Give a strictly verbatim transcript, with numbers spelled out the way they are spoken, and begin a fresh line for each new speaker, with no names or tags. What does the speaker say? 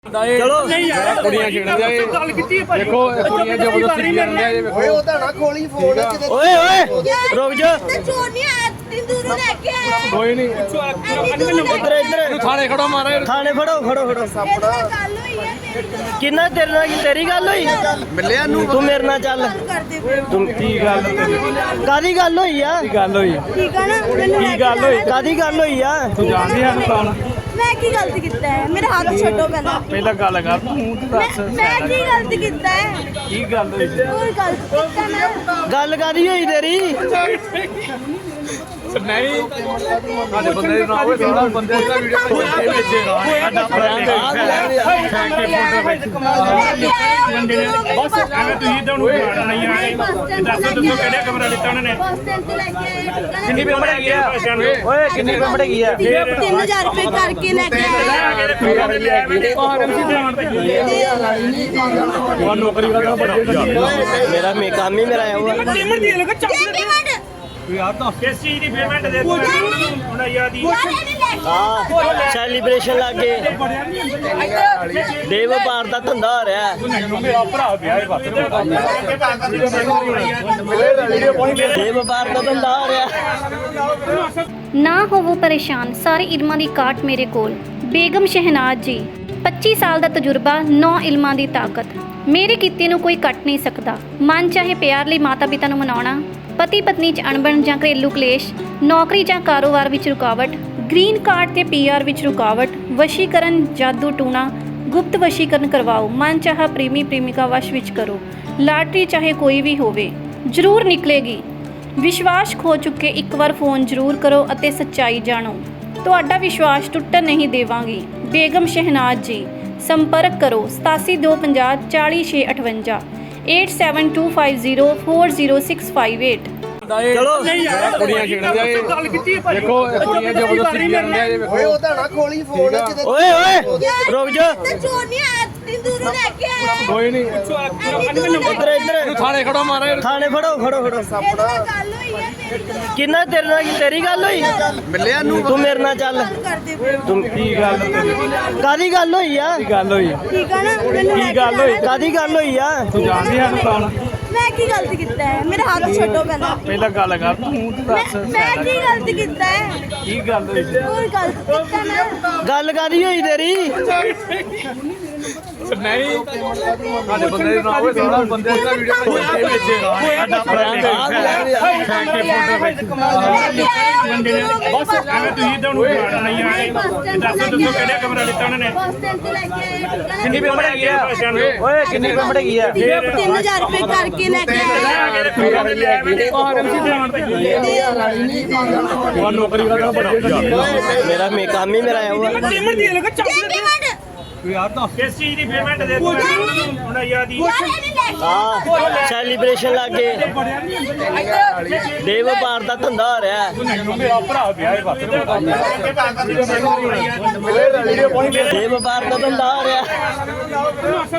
ਚਲੋ ਕੁੜੀਆਂ ਖੇਡਦੇ ਆ ਗੱਲ ਕੀਤੀ ਦੇਖੋ ਕੁੜੀਆਂ ਜ਼ਬਰਦਸਤੀ ਕਰਦੇ ਆ ਇਹ ਵੇਖੋ
ਓਏ ਉਹਦਾ ਨਾ ਖੋਲੀ ਫੋਨ ਕਿਤੇ
ਓਏ ਓਏ ਰੁਕ ਜਾ
ਤੇ ਚੋਰ ਨਹੀਂ ਆਇਆ ਤੰਦੂਰੂ ਲੈ ਕੇ ਆਇਆ
ਕੋਈ ਨਹੀਂ
ਇੱਧਰ ਇੱਧਰ
ਥਾਣੇ ਖੜੋ ਮਾਰਾ
ਥਾਣੇ ਫੜੋ ਫੜੋ ਫੜੋ
ਇਹਦੇ ਨਾਲ ਗੱਲ ਹੋਈ ਹੈ ਮੇਰੀ ਨਾਲ
ਕਿੰਨਾ ਤੇਰੇ ਨਾਲ ਤੇਰੀ ਗੱਲ ਹੋਈ
ਮਿਲਿਆ ਨੂੰ
ਤੂੰ ਮੇਰੇ ਨਾਲ ਚੱਲ
ਗੱਲ ਕਰਦੇ ਪਏ ਹੋ।
ਤੂੰ
ਕੀ ਗੱਲ
ਕਾਦੀ ਗੱਲ ਹੋਈ ਆ
ਕੀ ਗੱਲ ਹੋਈ
ਠੀਕ ਆ ਨਾ ਮੈਨੂੰ ਲੈ
ਕੀ
ਕੇ
ਗੱਲ ਹੋਈ?
ਜਾਣਾ।
ਕਾਦੀ ਗੱਲ ਹੋਈ ਆ
ਤੂੰ ਜਾਣਦੀ ਆ ਕੌਣ
ਮੈਂ ਕੀ ਗਲਤ ਕੀਤਾ ਹੈ ਮੇਰੇ ਹੱਥ ਛੱਡੋ ਪਹਿਲਾਂ
ਪਹਿਲਾਂ ਗੱਲ ਕਰ ਤੂੰ ਮੂੰਹ ਤੇ ਦੱਸ
ਮੈਂ ਮੈਂ ਕੀ ਗਲਤ ਕੀਤਾ ਹੈ
ਕੀ ਗੱਲ ਹੋਈ
ਕੋਈ ਗਲਤ ਕੀਤਾ ਨਾ
ਗੱਲ ਕਾਦੀ ਹੋਈ ਤੇਰੀ
ਨਹੀਂ ਸਾਡੇ ਬੰਦੇ ਦੇ ਨਾਲ ਹੋਵੇ ਸਾਡਾ ਬੰਦੇ ਦਾ ਵੀਡੀਓ ਕੋਈ ਵੇਚੇਗਾ ਸਾਡਾ ਫਰੈਂਡ ਥੈਂਕ ਯੂ
ਬਸ
ਐਵੇਂ ਤੁਸੀਂ ਤਾਂ ਉਹਨੂੰ ਜਾਣ ਨਹੀਂ ਆਏ ਦੱਸੋ ਦੱਸੋ ਕਿਹੜਾ ਕਮਰਾ ਲਿੱਤਾ ਉਹਨਾਂ ਨੇ
ਬੱਸ ਸਟੈਂਡ ਤੇ ਲੈ ਕੇ ਆਏ
ਕਿੰਨੀ ਪੇਮੈਂਟ ਹੈਗੀ ਆ ਓਏ ਕਿੰਨੀ ਪੇਮੈਂਟ ਹੈਗੀ ਆ
ਤਿੰਨ ਹਜ਼ਾਰ ਰੁਪਏ ਕਰਕੇ ਲੈ ਕੇ ਆਏ
ਉਹ ਨੌਕਰੀ ਕਰਦਾ ਬੜਾ
ਮੇਰਾ ਮੇ ਕੰਮ ਹੀ ਮੇਰਾ ਆਇਆ ਹੋਇਆ
ਪੇਮੈਂਟ
ਯਾਰ ਤਾਂ
ਕਿਸ ਚੀਜ਼ ਦੀ ਪੇਮੈਂਟ ਦੇ ਦਿੱਤੀ ਉਹਨਾਂ ਯਾਦ ਹੀ
ਯਾਰ ਇਹਨੇ ਲੈ ਕੇ
ਹਾਂ ਸੈਲੀਬ੍ਰੇਸ਼ਨ ਲੱਗੇ ਦੇ ਵਪਾਰ ਦਾ ਧੰਦਾ ਹੋ ਰਿਹਾ
ਮੇਰਾ ਭਰਾ ਵਿਆਹ ਹੈ ਬਸ
ਦੇ ਵਪਾਰ ਦਾ ਧੰਦਾ ਹੋ ਰਿਹਾ
ਨਾ ਹੋਵੋ ਪਰੇਸ਼ਾਨ, ਸਾਰੇ ਇਲਮਾਂ ਦੀ ਕਾਟ ਮੇਰੇ ਕੋਲ। ਬੇਗਮ ਸ਼ਹਿਨਾਜ਼ ਜੀ, ਪੱਚੀ ਸਾਲ ਦਾ ਤਜਰਬਾ, ਨੌ ਇਲਮਾਂ ਦੀ ਤਾਕਤ। ਮੇਰੇ ਕੀਤੇ ਨੂੰ ਕੋਈ ਕੱਟ ਨਹੀਂ ਸਕਦਾ। ਮਨ ਚਾਹੇ ਪਿਆਰ ਲਈ ਮਾਤਾ ਪਿਤਾ ਨੂੰ ਮਨਾਉਣਾ, ਪਤੀ ਪਤਨੀ 'ਚ ਅਣਬਣ ਜਾਂ ਘਰੇਲੂ ਕਲੇਸ਼, ਨੌਕਰੀ ਜਾਂ ਕਾਰੋਬਾਰ ਵਿੱਚ ਰੁਕਾਵਟ, ਗ੍ਰੀਨ ਕਾਰਡ ਤੇ ਪੀ ਆਰ ਵਿੱਚ ਰੁਕਾਵਟ, ਵਸ਼ੀਕਰਨ, ਜਾਦੂ ਟੂਣਾ, ਗੁਪਤ ਵਸ਼ੀਕਰਨ ਕਰਵਾਓ, ਮਨ ਚਾਹਾ ਪ੍ਰੇਮੀ ਪ੍ਰੇਮਿਕਾ ਵਸ਼ ਵਿੱਚ ਕਰੋ, ਲਾਟਰੀ ਚਾਹੇ ਕੋਈ ਵੀ ਹੋਵੇ ਜ਼ਰੂਰ ਨਿਕਲੇਗੀ। ਵਿਸ਼ਵਾਸ ਖੋ ਚੁੱਕੇ ਇੱਕ ਵਾਰ ਫੋਨ ਜ਼ਰੂਰ ਕਰੋ ਅਤੇ ਸੱਚਾਈ ਜਾਣੋ। ਤੁਹਾਡਾ ਵਿਸ਼ਵਾਸ ਟੁੱਟਣ ਨਹੀਂ ਦੇਵਾਂਗੀ। ਬੇਗਮ ਸ਼ਹਿਨਾਜ਼ ਜੀ, ਸੰਪਰਕ ਕਰੋ ਸਤਾਸੀ ਦੋ ਪੰਜਾਹ ਚਾਲੀ ਛੇ ਅਠਵੰਜਾ eight seven two five zero four zero six five eight.
ਚਲੋ
ਕੁੜੀਆਂ ਖੇਡਦੇ ਆ ਗੱਲ ਕੀਤੀ ਦੇਖੋ ਕੁੜੀਆਂ ਜ਼ਬਰਦਸਤੀ ਕਰਦੇ ਆ ਇਹ ਵੇਖੋ
ਓਏ ਉਹਦਾ ਨਾ ਖੋਲੀ ਫੋਨ ਕਿਤੇ
ਓਏ ਓਏ ਰੁਕ ਜਾ
ਤੇ ਚੋਰ ਨਹੀਂ ਆਇਆ ਤੰਦੂਰੂ ਲੈ ਕੇ ਆਇਆ
ਕੋਈ ਨਹੀਂ
ਇੱਧਰ ਇੱਧਰ
ਥਾਣੇ ਖੜੋ ਮਾਰਾ
ਥਾਣੇ ਫੜੋ ਫੜੋ ਫੜੋ
ਇਹਦੇ ਨਾਲ ਗੱਲ ਹੋਈ ਹੈ ਮੇਰੀ ਨਾਲ
ਕਿੰਨਾ ਤੇਰੇ ਨਾਲ ਤੇਰੀ ਗੱਲ ਹੋਈ
ਮਿਲਿਆ ਨੂੰ
ਤੂੰ ਮੇਰੇ ਨਾਲ ਚੱਲ
ਗੱਲ ਕਰਦੇ ਪਏ ਹੋ।
ਤੂੰ
ਕੀ ਗੱਲ
ਕਾਦੀ ਗੱਲ ਹੋਈ ਆ
ਕੀ ਗੱਲ ਹੋਈ
ਠੀਕ ਆ ਨਾ ਮੈਨੂੰ ਲੈ
ਕੀ
ਕੇ
ਗੱਲ ਹੋਈ?
ਜਾਣਾ।
ਕਾਦੀ ਗੱਲ ਹੋਈ ਆ
ਤੂੰ ਜਾਣਦੀ ਆ ਕੌਣ
ਮੈਂ ਕੀ ਗਲਤ ਕੀਤਾ ਹੈ ਮੇਰੇ ਹੱਥ ਛੱਡੋ ਪਹਿਲਾਂ
ਪਹਿਲਾਂ ਗੱਲ ਕਰ ਤੂੰ ਮੂੰਹ ਤੇ ਦੱਸ
ਮੈਂ ਮੈਂ ਕੀ ਗਲਤ ਕੀਤਾ ਹੈ
ਕੀ ਗੱਲ ਹੋਈ
ਕੋਈ ਗਲਤ ਕੀਤਾ ਨਾ
ਗੱਲ ਕਾਦੀ ਹੋਈ ਤੇਰੀ
ਨਹੀਂ ਸਾਡੇ ਬੰਦੇ ਦੇ ਨਾਲ ਹੋਵੇ ਸਾਡਾ ਬੰਦੇ ਦਾ ਵੀਡੀਓ ਕੋਈ ਵੇਚੇਗਾ ਸਾਡਾ ਫਰੈਂਡ ਥੈਂਕ ਯੂ
ਬਸ ਐਵੇਂ ਤੁਸੀਂ ਤਾਂ ਉਹਨੂੰ ਜਾਣ ਨਹੀਂ ਆਏ ਦੱਸੋ ਦੱਸੋ ਕਿਹੜਾ ਕਮਰਾ ਲਿੱਤਾ ਉਹਨਾਂ ਨੇ
ਬੱਸ ਸਟੈਂਡ ਤੇ ਲੈ ਕੇ ਆਏ
ਕਿੰਨੀ ਪੇਮੈਂਟ ਹੈਗੀ ਆ ਓਏ ਕਿੰਨੀ ਪੇਮੈਂਟ ਹੈਗੀ ਆ
ਤਿੰਨ ਹਜ਼ਾਰ ਰੁਪਏ ਕਰਕੇ ਲੈ ਕੇ ਆਏ
ਉਹ ਨੌਕਰੀ ਕਰਦਾ ਬੜਾ
ਮੇਰਾ ਮੇ ਕੰਮ ਹੀ ਮੇਰਾ ਆਇਆ ਹੋਇਆ
ਪੇਮੈਂਟ
ਯਾਰ ਤਾਂ
ਕਿਸ ਚੀਜ਼ ਦੀ ਪੇਮੈਂਟ ਦੇ ਦਿੱਤੀ ਉਹਨਾਂ ਯਾਦ ਹੀ
ਯਾਰ ਇਹਨੇ ਲੈ ਕੇ
ਹਾਂ ਸੈਲੀਬ੍ਰੇਸ਼ਨ ਲੱਗੇ ਦੇ ਵਪਾਰ ਦਾ ਧੰਦਾ ਹੋ ਰਿਹਾ
ਮੇਰਾ ਭਰਾ ਵਿਆਹ ਹੈ ਬਸ
ਦੇ ਵਪਾਰ ਦਾ ਧੰਦਾ ਹੋ ਰਿਹਾ